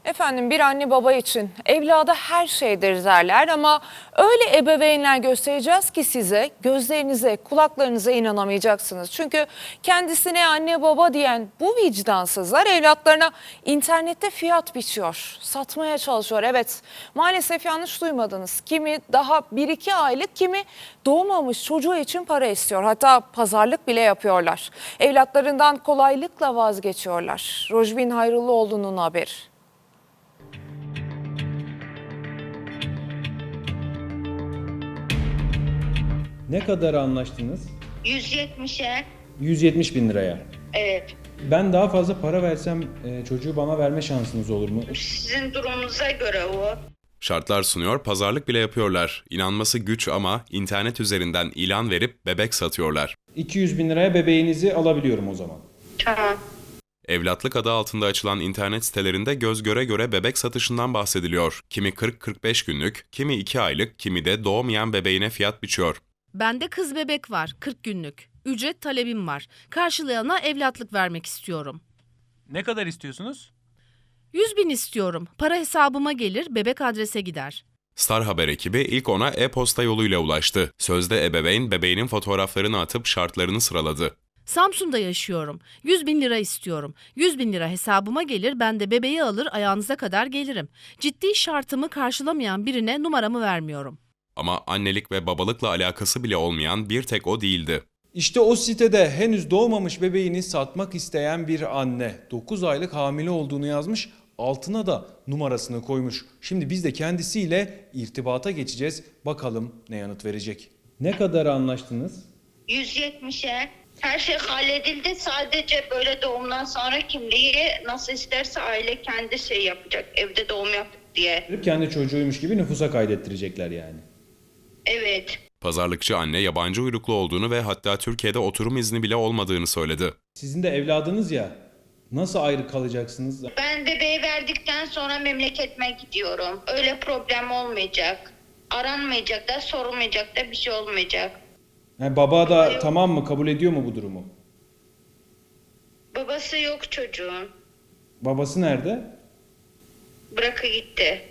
Efendim bir anne baba için evlada her şeydir derler ama öyle ebeveynler göstereceğiz ki size gözlerinize, kulaklarınıza inanamayacaksınız. Çünkü kendisine anne baba diyen bu vicdansızlar evlatlarına internette fiyat biçiyor, satmaya çalışıyor. Evet, maalesef yanlış duymadınız. Kimi daha 1-2 aylık, kimi doğmamış çocuğu için para istiyor. Hatta pazarlık bile yapıyorlar. Evlatlarından kolaylıkla vazgeçiyorlar. Rojbin Hayrulluoğlu'nun haberi. Ne kadar anlaştınız? 170'e. 170 bin liraya. Evet. Ben daha fazla para versem çocuğu bana verme şansınız olur mu? Sizin durumunuza göre o. Şartlar sunuyor, pazarlık bile yapıyorlar. İnanması güç ama internet üzerinden ilan verip bebek satıyorlar. 200 bin liraya bebeğinizi alabiliyorum o zaman. Tamam. Evlatlık adı altında açılan internet sitelerinde göz göre göre bebek satışından bahsediliyor. Kimi 40-45 günlük, kimi 2 aylık, kimi de doğmayan bebeğine fiyat biçiyor. Bende kız bebek var, 40 günlük. Ücret talebim var. Karşılayana evlatlık vermek istiyorum. Ne kadar istiyorsunuz? 100 bin istiyorum. Para hesabıma gelir, bebek adrese gider. Star Haber ekibi ilk ona e-posta yoluyla ulaştı. Sözde ebeveyn bebeğinin fotoğraflarını atıp şartlarını sıraladı. Samsun'da yaşıyorum. 100 bin lira istiyorum. 100 bin lira hesabıma gelir, ben de bebeği alır ayağınıza kadar gelirim. Ciddi şartımı karşılamayan birine numaramı vermiyorum. Ama annelik ve babalıkla alakası bile olmayan bir tek o değildi. İşte o sitede henüz doğmamış bebeğini satmak isteyen bir anne 9 aylık hamile olduğunu yazmış, altına da numarasını koymuş. Şimdi biz de kendisiyle irtibata geçeceğiz. Bakalım ne yanıt verecek. Ne kadar anlaştınız? 170'e. Her şey halledildi. Sadece böyle doğumdan sonra kimliği nasıl isterse aile kendi şey yapacak. Evde doğum yaptık diye. Kendi çocuğuymuş gibi nüfusa kaydettirecekler yani. Evet. Pazarlıkçı anne yabancı uyruklu olduğunu ve hatta Türkiye'de oturum izni bile olmadığını söyledi. Sizin de evladınız ya, nasıl ayrı kalacaksınız? Ben bebeği verdikten sonra memleketime gidiyorum. Öyle problem olmayacak. Aranmayacak da sorulmayacak da bir şey olmayacak. Yani baba da tamam mı, kabul ediyor mu bu durumu? Babası yok çocuğun. Babası nerede? Bırakı gitti.